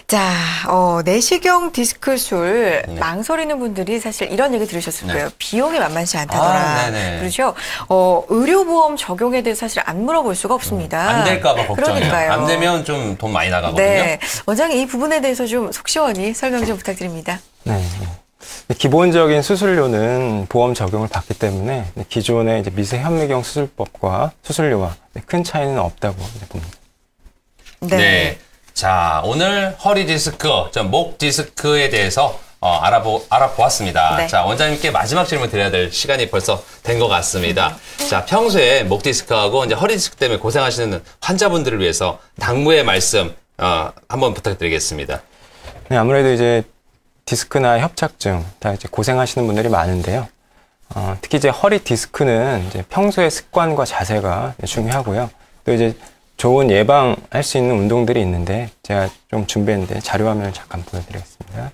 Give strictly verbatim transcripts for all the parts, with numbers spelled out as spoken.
자, 어, 내시경 디스크술 네. 망설이는 분들이 사실 이런 얘기 들으셨을 거예요. 네. 비용이 만만치 않다더라. 아, 그렇죠? 어, 의료보험 적용에 대해서 사실 안 물어볼 수가 없습니다. 안 될까 봐 걱정이에요. 그러니까요. 안 되면 좀 돈 많이 나가거든요. 네. 원장님 이 부분에 대해서 좀 속 시원히 설명 좀 부탁드립니다. 네. 기본적인 수술료는 보험 적용을 받기 때문에 기존의 이제 미세 현미경 수술법과 수술료와 큰 차이는 없다고 봅니다. 네. 네. 자, 오늘 허리 디스크, 목 디스크에 대해서 어, 알아보, 알아보았습니다. 네. 자, 원장님께 마지막 질문 드려야 될 시간이 벌써 된 것 같습니다. 자, 평소에 목 디스크하고 이제 허리 디스크 때문에 고생하시는 환자분들을 위해서 당부의 말씀 어, 한번 부탁드리겠습니다. 네, 아무래도 이제 디스크나 협착증 다 이제 고생하시는 분들이 많은데요. 어, 특히 이제 허리 디스크는 이제 평소의 습관과 자세가 중요하고요. 또 이제 좋은 예방할 수 있는 운동들이 있는데 제가 좀 준비했는데 자료 화면을 잠깐 보여드리겠습니다.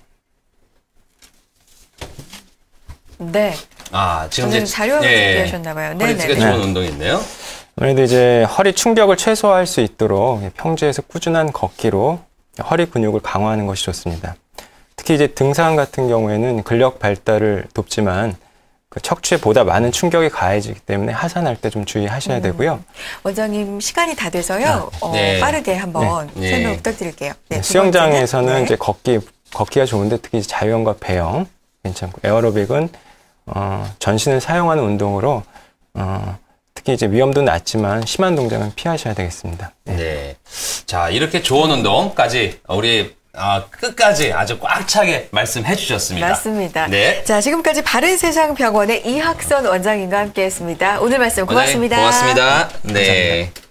네. 아, 지금 이제 자료 화면 예, 준비하셨나 봐요. 허리 디스크가 좋은 네. 운동이 있네요. 아무래도 이제 허리 충격을 최소화할 수 있도록 평지에서 꾸준한 걷기로 허리 근육을 강화하는 것이 좋습니다. 특히 이제 등산 같은 경우에는 근력 발달을 돕지만 그 척추에 보다 많은 충격이 가해지기 때문에 하산할 때 좀 주의하셔야 음. 되고요. 원장님 시간이 다 돼서요. 네. 어, 네. 빠르게 한번 네. 설명 네. 부탁드릴게요. 네, 수영장에서는 네. 이제 걷기 걷기가 좋은데 특히 자유형과 배영 괜찮고 에어로빅은 어, 전신을 사용하는 운동으로 어, 특히 이제 위험도 낮지만 심한 동작은 피하셔야 되겠습니다. 네. 네. 자, 이렇게 좋은 운동까지 우리 아, 끝까지 아주 꽉 차게 말씀해 주셨습니다. 맞습니다. 네. 자, 지금까지 바른세상병원의 이학선 원장님과 함께했습니다. 오늘 말씀 고맙습니다. 고맙습니다. 네. 감사합니다.